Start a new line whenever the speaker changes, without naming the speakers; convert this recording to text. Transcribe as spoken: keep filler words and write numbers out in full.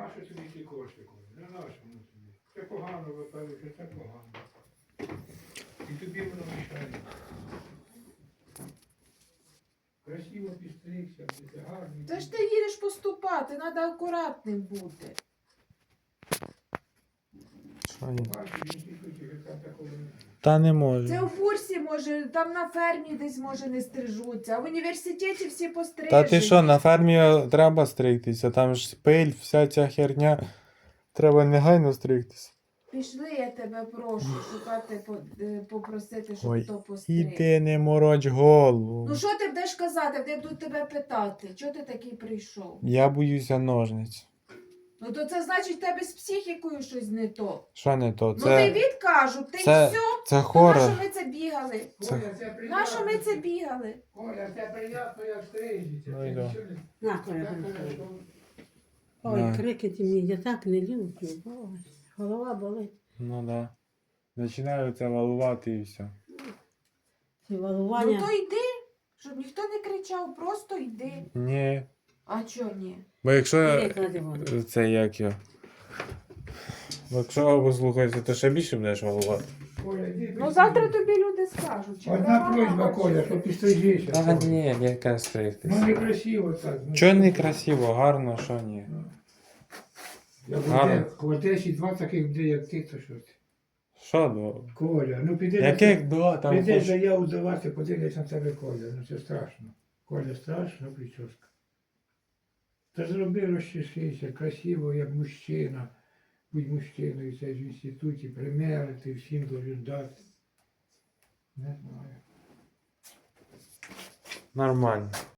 нащо тобі ті кошти, Коля? Не нащо воно тобі? Це погано, випадок, що це погано. І тобі воно мішає. Красиво підстригся, буде гарний.
Та ж ти їдеш поступати, треба акуратним бути.
Що є?
Бачиш, в інституті вже там такого немає.
Та не
Це
може.
у бурсі, може, там на фермі десь, може, не стрижуться, а в університеті всі пострижені.
Та ти що, на фермі треба стригтися, там ж пиль, вся ця херня. Треба негайно стригтися.
Пішли, я тебе прошу, шукати, по- е, попросити, щоб
Ой,
хто постриг.
Іди не мороч голову.
Ну що ти будеш казати, де будуть тебе питати? Чого ти такий прийшов?
Я боюся ножниць.
Ну то це значить в тебе з психікою щось не то.
Що не то?
Ну ти
Це,
відкажуть, ти
це,
все.
це
То
хорор.
нащо ми це бігали?
Це-
Коля, це приємно.
Нащо ми це бігали?
Коля, це приємно, як стрижеться.
Ну, і
Це
да.
нічого не-
На, Коля,
Це,
Коля,
Коля,
Коля.
то-
Ой,
Да.
крикети мені, я так не люблю. Ой, голова болить.
Ну да. Починаю це валувати і все.
Ці
Ну
валування.
то йди, щоб ніхто не кричав, просто йди.
Ні.
А чого ні?
Бо якщо
Іди, клади воду.
це як я. Бо якщо послухаєшся, то ще більше будеш валувати.
Коля, йди,
Ну завтра тобі люди скажуть. чи
Одна
права,
просьба,
чи-
Коля, що підстрижися.
Та
Коля.
ні, яка
Ну
стригтися.
некрасиво так. ну,
Чого не красиво, гарно, що ні.
Я в
Гарно.
Оде- в Одесі два таких буде, як ти, то що ти?
Що до?
Коля, ну піди
Яких два там
піди
хоч...
заяву давати, подивись на тебе, Коля. Ну це страшно. Коля, страшно прическа. Та зроби розчешися, красиво, як мужчина. Будь мужчиною, це ж в інституті, примерити, всім должен дати. Не знаю.
Нормально.